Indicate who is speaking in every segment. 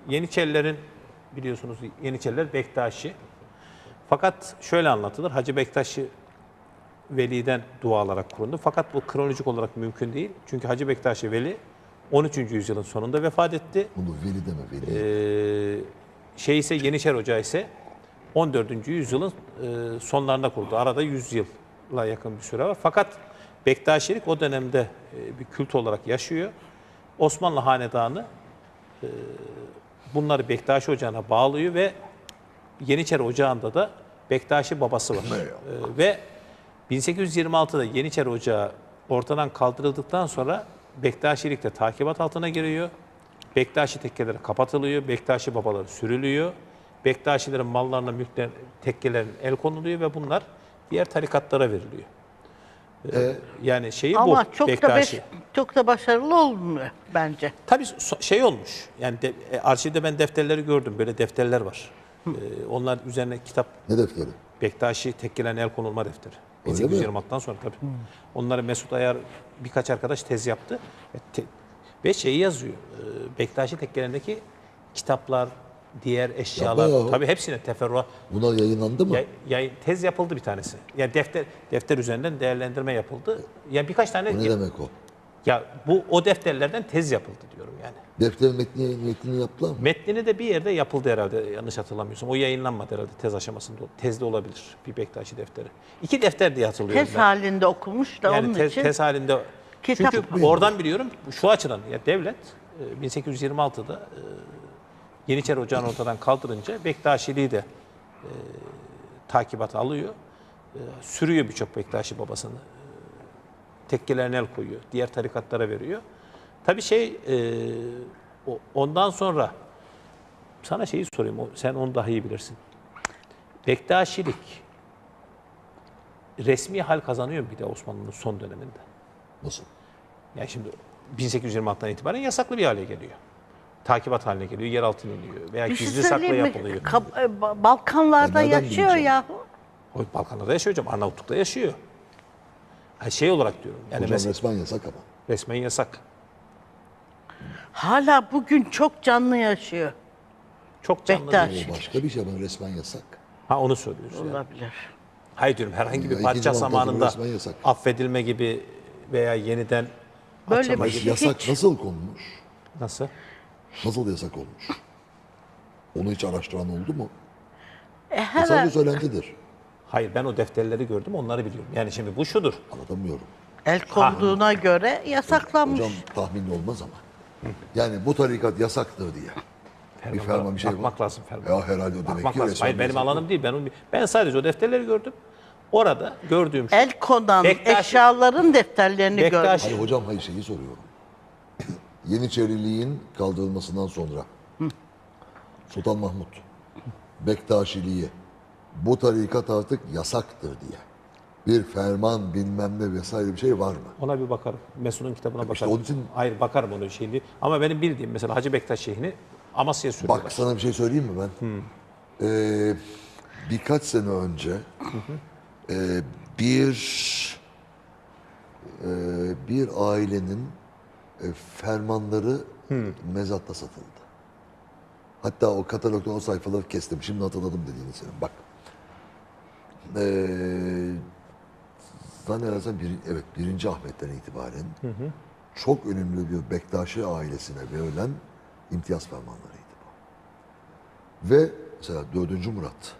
Speaker 1: Yeniçerilerin biliyorsunuz Yeniçeriler Bektaşi. Fakat şöyle anlatılır. Hacı Bektaşi Veli'den dua alarak kuruldu. Fakat bu kronolojik olarak mümkün değil. Çünkü Hacı Bektaşi Veli 13. yüzyılın sonunda vefat etti.
Speaker 2: Bunu veli deme veli.
Speaker 1: Yeniçeri Ocağı ise 14. yüzyılın sonlarında kuruldu. Arada 100 yıla yakın bir süre var. Fakat Bektaşilik o dönemde bir kült olarak yaşıyor. Osmanlı Hanedanı bunları Bektaşi Ocağı'na bağlıyor ve Yeniçeri Ocağı'nda da Bektaşi babası var. Ve 1826'da Yeniçeri Ocağı ortadan kaldırıldıktan sonra Bektaşilik de takibat altına giriyor. Bektaşi tekkeleri kapatılıyor, Bektaşi babaları sürülüyor. Bektaşilerin mallarına, mülklerine, tekkelerin el konuluyor ve bunlar diğer tarikatlara veriliyor. Yani şeyi
Speaker 3: Ama
Speaker 1: bu
Speaker 3: çok
Speaker 1: Bektaşi.
Speaker 3: da çok da başarılı olmuyor bence.
Speaker 1: Tabii şey olmuş. Yani arşivde ben defterleri gördüm. Böyle defterler var. Onlar üzerine kitap.
Speaker 2: Ne defteri?
Speaker 1: Bektaşi tekkelerin el konulma defteri.
Speaker 2: Öyle mi?
Speaker 1: 1826'dan sonra tabii. Onları Mesut Ayar birkaç arkadaş tez yaptı. Ve şeyi yazıyor. Bektaşi tekkelerindeki kitaplar, diğer eşyalar.
Speaker 2: Yapma ya.
Speaker 1: Tabii hepsine teferruat.
Speaker 2: Buna yayınlandı mı?
Speaker 1: Tez yapıldı bir tanesi. Yani defter üzerinden değerlendirme yapıldı. Yani birkaç tane.
Speaker 2: O ne demek o?
Speaker 1: Ya o defterlerden tez yapıldı diyorum yani.
Speaker 2: Defterin metnini yaptılar mı?
Speaker 1: Metnini de bir yerde yapıldı herhalde yanlış hatırlamıyorsam. O yayınlanmadı herhalde tez aşamasında. Tezde olabilir bir Bektaşi defteri. 2 defter diye hatırlıyorum
Speaker 3: Tez
Speaker 1: ben.
Speaker 3: halinde okumuş da
Speaker 1: Yani
Speaker 3: onun için.
Speaker 1: tez halinde.
Speaker 3: Kitap
Speaker 1: Çünkü oradan biliyorum şu açıdan ya devlet 1826'da Yeniçeri Ocağı'nı ortadan kaldırınca Bektaşiliği de takibata alıyor. Sürüyor birçok Bektaşi babasını. Tekkelerine el koyuyor. Diğer tarikatlara veriyor. Tabii ondan sonra sana şeyi sorayım. Sen onu daha iyi bilirsin. Bektaşilik resmi hal kazanıyor mu bir de Osmanlı'nın son döneminde?
Speaker 2: Nasıl?
Speaker 1: Yani şimdi 1826'dan itibaren yasaklı bir hale geliyor. Takibat haline geliyor, yer altına iniyor veya
Speaker 3: Bir şey
Speaker 1: gizli saklı
Speaker 3: söyleyeyim mi?
Speaker 1: yapılıyor.
Speaker 3: Balkanlarda
Speaker 2: Ben nereden
Speaker 3: yaşıyor
Speaker 2: bileceğim?
Speaker 3: yahu.
Speaker 1: O Balkanlarda yaşıyor hocam, Arnavutluk'ta yaşıyor. Yani şey olarak diyorum. Yani
Speaker 2: Hocam
Speaker 1: mesela
Speaker 2: resmen yasak ama.
Speaker 1: resmen yasak.
Speaker 3: Hala bugün çok canlı yaşıyor.
Speaker 1: Çok canlı
Speaker 3: Bektaş.
Speaker 1: değil.
Speaker 2: O başka bir şey ama resmen yasak.
Speaker 1: Ha onu söylüyoruz yani.
Speaker 3: Olabilir.
Speaker 1: Hayır diyorum herhangi bir
Speaker 2: Ya,
Speaker 1: padişah
Speaker 2: ikinci Mahmut'un
Speaker 1: zamanında
Speaker 2: resmen yasak.
Speaker 1: affedilme gibi veya yeniden
Speaker 3: Böyle
Speaker 1: açılma
Speaker 3: bir
Speaker 1: gibi.
Speaker 3: şey.
Speaker 2: Yasak
Speaker 3: Hiç.
Speaker 2: nasıl konmuş?
Speaker 1: Nasıl?
Speaker 2: Nasıl yasak olmuş? Onu hiç araştıran oldu mu? Bu
Speaker 3: Hemen
Speaker 2: sadece söylentidir.
Speaker 1: Hayır ben o defterleri gördüm onları biliyorum. Yani şimdi bu şudur.
Speaker 2: Anlatamıyorum.
Speaker 3: el konduğuna göre yasaklanmış.
Speaker 2: Hocam tahminli olmaz ama. Yani bu tarikat yasaktır diye. Bir ferman bir şey var.
Speaker 1: Bakmak lazım ferman.
Speaker 2: Ya herhalde o demek
Speaker 1: Bakmak
Speaker 2: ki
Speaker 1: lazım.
Speaker 2: resmen
Speaker 1: Hayır benim
Speaker 2: yasak.
Speaker 1: alanım değil. Ben sadece o defterleri gördüm. Orada gördüğüm şu.
Speaker 3: El konan
Speaker 1: Bektaşi-
Speaker 3: eşyaların defterlerini
Speaker 1: Bektaşi-
Speaker 3: görmüş.
Speaker 2: Hayır hocam hayır şeyi soruyorum. Yeniçeriliğin kaldırılmasından sonra Sultan Mahmut Bektaşiliği bu tarikat artık yasaktır diye bir ferman bilmem ne vesaire bir şey var mı?
Speaker 1: Ona bir bakarım. Mesut'un kitabına bakarım.
Speaker 2: İşte onun için-
Speaker 1: Hayır bakarım onun şeyini. Ama benim bildiğim mesela Hacı Bektaş Şeyh'ini Amasya'ya sürüyorlar.
Speaker 2: Bak sana bir şey söyleyeyim mi ben? Birkaç sene önce bir ailenin fermanları mezatta satıldı. Hatta o katalogda o sayfaları kestim. Şimdi hatırladım dediğini senin. Bak. Zannedersem birinci Ahmet'ten itibaren çok önemli bir Bektaşi ailesine verilen imtiyaz fermanlarıydı bu. Ve mesela 4. Murat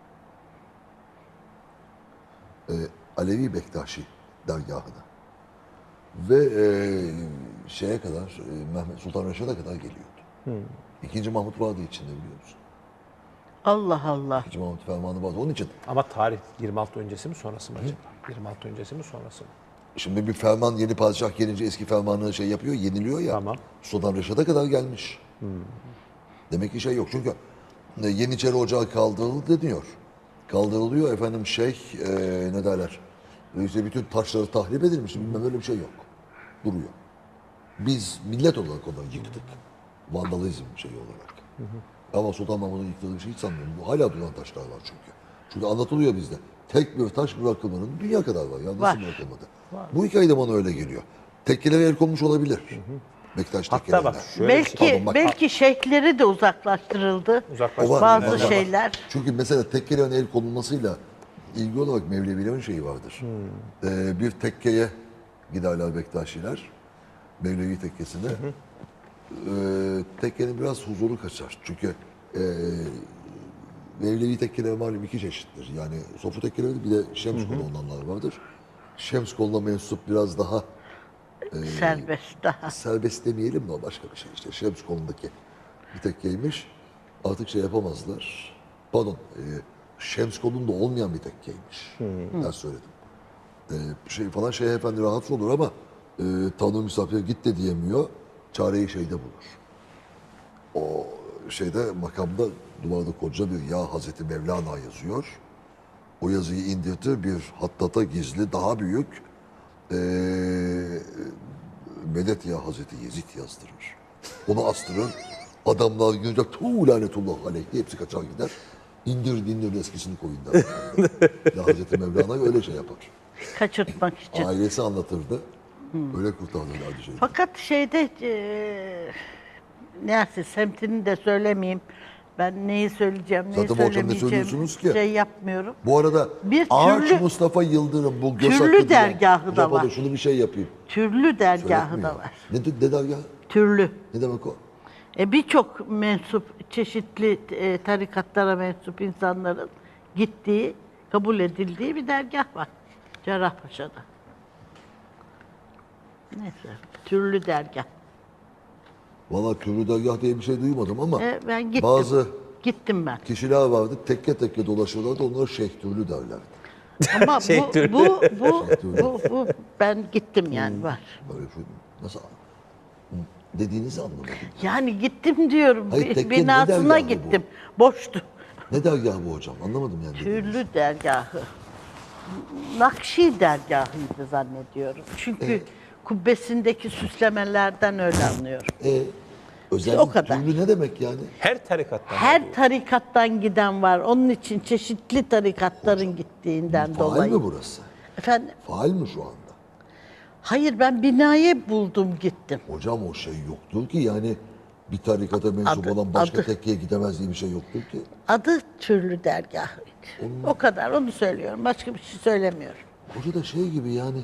Speaker 2: Alevi Bektaşi dergahına ve şeye kadar Mehmet Sultan Reşat'a kadar geliyordu. İkinci Mahmut vardı içinde biliyor musun?
Speaker 3: Allah Allah.
Speaker 2: İkinci Mahmut fermanı vardı. Onun için
Speaker 1: Ama tarih 26 öncesi mi sonrası mı acaba? 26 öncesi mi sonrası mı?
Speaker 2: şimdi bir ferman yeni padişah gelince eski fermanı şey yapıyor, yeniliyor ya.
Speaker 1: Tamam.
Speaker 2: Sultan Reşat'a kadar gelmiş. Demek ki şey yok. Çünkü Yeniçeri Ocağı kaldırıldı deniyor. Kaldırılıyor efendim ne derler. İşte bütün taşları tahrip edilmiş. Bilmem öyle bir şey yok. Duruyor. Biz millet olarak onları yıktık. Vandalizm şeyi olarak. Ama Sultan Mahmut'un yıktığı bir şey hiç sanmıyorum. Bu hala duran taşlar var çünkü. Çünkü anlatılıyor bizde. Tek bir taş bırakılmanın dünya kadar var. Ya nasıl
Speaker 3: Var.
Speaker 2: bırakılmadı? Bu hikaye de bana öyle geliyor. Tekkelere el konmuş olabilir. Bektaş
Speaker 1: Hatta
Speaker 2: tekkelerinden.
Speaker 1: bak şöyle bir şey.
Speaker 3: Belki
Speaker 2: Pardon, bak.
Speaker 3: belki şeyhleri de uzaklaştırıldı.
Speaker 1: Uzaklaştırıldı.
Speaker 2: O var,
Speaker 3: Bazı
Speaker 2: var.
Speaker 3: şeyler.
Speaker 2: Çünkü mesela tekkelerin el konulmasıyla ilgili olarak Mevlevilerin şeyi vardır. Bir tekkeye giderler Bektaşiler. Mevlevi tekkesine. Tekkenin biraz huzuru kaçar. Çünkü Mevlevi tekkeler malum iki çeşittir. Yani sofu tekkeleri bir de Şems kolu olanlar vardır. Şems koluna mensup biraz daha
Speaker 3: Serbest daha.
Speaker 2: serbest demeyelim de o başka bir şey. İşte Şems kolundaki bir tekkeymiş. Artık şey yapamazlar. Pardon. Şems kolunda olmayan bir tekkeymiş. Ben söyledim. Şeyh Efendi rahatsız olur ama Tanrı misafire git de diyemiyor. Çareyi şeyde bulur. O şeyde makamda duvarda koca bir Ya Hazreti Mevlana yazıyor. O yazıyı indirtir bir hattata gizli daha büyük Medet Ya Hazreti Yezid yazdırır. Onu astırır. Adamlar görünce tuğ lanetullah aleyh diye hepsi kaçar gider. İndir eskisini koyun der. Ya Hazreti Mevlana öyle şey yapar.
Speaker 3: Kaçırtmak için.
Speaker 2: Ailesi anlatırdı. Öyle kurtarırlardı şeyi.
Speaker 3: Fakat şeyde neyse semtini de söylemeyeyim. Ben neyi söyleyeceğim, neyi
Speaker 2: Zaten bu akşam ne
Speaker 3: söylemeyeceğim
Speaker 2: söylüyorsunuz ki?
Speaker 3: şey yapmıyorum.
Speaker 2: Bu arada
Speaker 3: Bir
Speaker 2: Ağaç
Speaker 3: türlü-
Speaker 2: Mustafa Yıldırım bu göz
Speaker 3: türlü
Speaker 2: hakkı diyen-
Speaker 3: dergahı da
Speaker 2: Hocam pardon,
Speaker 3: var.
Speaker 2: şunu bir şey yapayım.
Speaker 3: Türlü dergahı
Speaker 2: Söyletmiyor.
Speaker 3: da var.
Speaker 2: Ne dergahı?
Speaker 3: Türlü.
Speaker 2: Ne demek o?
Speaker 3: Birçok mensup, çeşitli tarikatlara mensup insanların gittiği, kabul edildiği bir dergah var. Cerrahpaşa'da. Neyse, türlü dergah.
Speaker 2: Valla türlü dergah diye bir şey duymadım ama
Speaker 3: Ben gittim.
Speaker 2: bazı
Speaker 3: Gittim ben.
Speaker 2: kişiler vardı tekke tekke dolaşıyorlardı onlara şeyh türlü derlerdi.
Speaker 3: Ama
Speaker 1: Şey, türlü.
Speaker 3: bu ben gittim yani var.
Speaker 2: Böyle şu, nasıl dediğinizi anlamadım.
Speaker 3: Yani gittim diyorum.
Speaker 2: Hayır, tekke ne
Speaker 3: Binasına
Speaker 2: dergahı bu?
Speaker 3: gittim. Boştu.
Speaker 2: Ne dergahı bu hocam? Anlamadım yani. dediğinizi.
Speaker 3: Türlü dergahı. Nakşi dergahıydı zannediyorum. Çünkü kubbesindeki süslemelerden öyle anlıyorum.
Speaker 2: Özellikle
Speaker 3: o kadar.
Speaker 2: türlü ne demek yani?
Speaker 1: Her tarikattan
Speaker 3: Her
Speaker 1: oluyor.
Speaker 3: tarikattan giden var. Onun için çeşitli tarikatların gittiğinden
Speaker 2: Faal
Speaker 3: dolayı.
Speaker 2: mi burası?
Speaker 3: Efendim?
Speaker 2: Faal mi şu anda?
Speaker 3: Hayır, ben binayı buldum gittim.
Speaker 2: Hocam o şey yoktur ki yani bir tarikata mensup
Speaker 3: Adı-
Speaker 2: olan başka
Speaker 3: adı.
Speaker 2: tekkeye gidemez diye bir şey yoktur ki.
Speaker 3: Adı türlü dergahıydı. O kadar, onu söylüyorum. Başka bir şey söylemiyorum.
Speaker 2: Hoca da şey gibi yani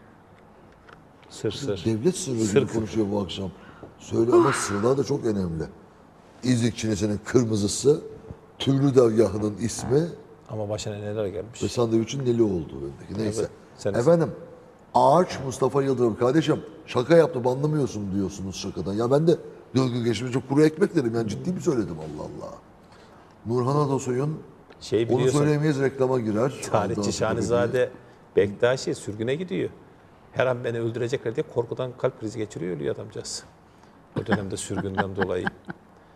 Speaker 1: Sır.
Speaker 2: devlet sırrı gibi konuşuyor bu akşam. Söyle ama sırlar da çok önemli. İznik çinesinin kırmızısı, türlü dergahının ismi
Speaker 1: Ama başına neler gelmiş.
Speaker 2: ve sandviçin neli olduğu bendeki. Neyse.
Speaker 1: sen-
Speaker 2: Efendim, Ağaç Mustafa Yıldırım. Kardeşim şaka yaptım anlamıyorsun diyorsunuz şakadan. Ya ben de 4 gün geçmişte kuru ekmek dedim. Yani ciddi mi söyledim Allah Allah. Nurhan Atasoy'un
Speaker 1: Şey
Speaker 2: onu
Speaker 1: biliyorsun,
Speaker 2: söyleyemeyiz reklama girer.
Speaker 1: tarihçi
Speaker 2: Ondan sonra
Speaker 1: Şanizade Bektaşi sürgüne gidiyor. Her an beni öldürecekler diye korkudan kalp krizi geçiriyor, ölüyor adamcağız. O dönemde sürgünden dolayı.